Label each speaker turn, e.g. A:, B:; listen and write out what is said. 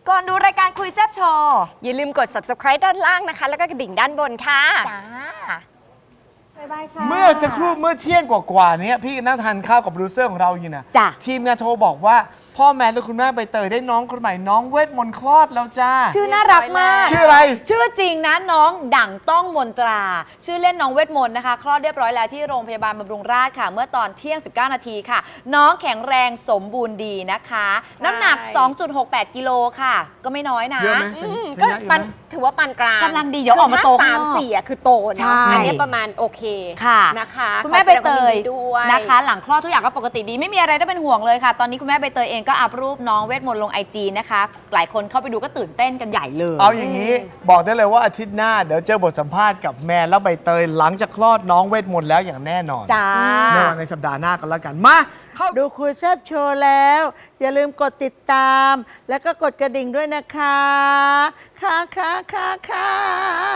A: ก่อนดูรายการคุยแซ่บโชว์
B: อย่าลืมกด subscribe ด้านล่างนะคะ แล้วก็กระดิ่งด้านบนค่ะ
A: จ้า
C: เมื่อสักครู่เมื่อเที่ยงกว่าๆนี้พี่นั่งทานข้าวกับโปรดิวเซอร์ของเราอยู่นะ
A: จ้ะ
C: ทีมงานโทรบอกว่าพ่อแม่และคุณแม่ใบเตยได้น้องคนใหม่น้องเวทมนต์คลอดแล้วจ้า
A: ชื่อน่ารักมาก
C: ชื่ออะไร
A: ชื่อจริงนะน้องดั่งต้องมนตรา ชื่อเล่นน้องเวทมนต์นะคะคลอดเรียบร้อยแล้วที่โรงพยาบาลบำรุงราษฎร์ค่ะ เมื่อตอนเที่ยง 19 นาทีค่ะ น้องแข็งแรงสมบูรณ์ดีนะคะ น้ำหนัก 2.68 กิโลค่ะ ก็ไม่น้อยนะ
C: เยอะไหม
B: ก็ปันถือว่าปานกลาง
A: กำลังดีเดี๋ยวออกมาโต
B: คือถ้
A: ข้างนอก
B: 3-4คือโต
A: ใช่
B: เนาะอันนี้ประมาณโอเค
A: ค่ะ
B: นะคะ
A: คุณแม่ใบเตย
B: ขอแสดงความยินดีด้วย
A: นะคะ หลังคลอดทุกอย่างก็ปกติดีไม่มีอะไรต้องเป็นห่วงเลยค่ะ ตอนนี้คุณแม่ใบเตยเองก็อัพรูปน้องเวทมนต์ลง IG นะคะ หลายคนเข้าไปดูก็ตื่นเต้นกันใหญ่เลย
C: เอาอย่างนี้บอกได้เลยว่าอาทิตย์หน้าเดี๋ยวเจอบทสัมภาษณ์กับแมนและใบเตยหลังจากคลอดน้องเวทมนต์แล้วอย่างแน่นอน
A: จ้า
C: ในสัปดาห์หน้ากันแล้วกันมาเข้า
D: ดูคุยแซบโชว์แล้ว อย่าลืมกดติดตาม แล้วก็กดกระดิ่งด้วยนะคะ ค่ะ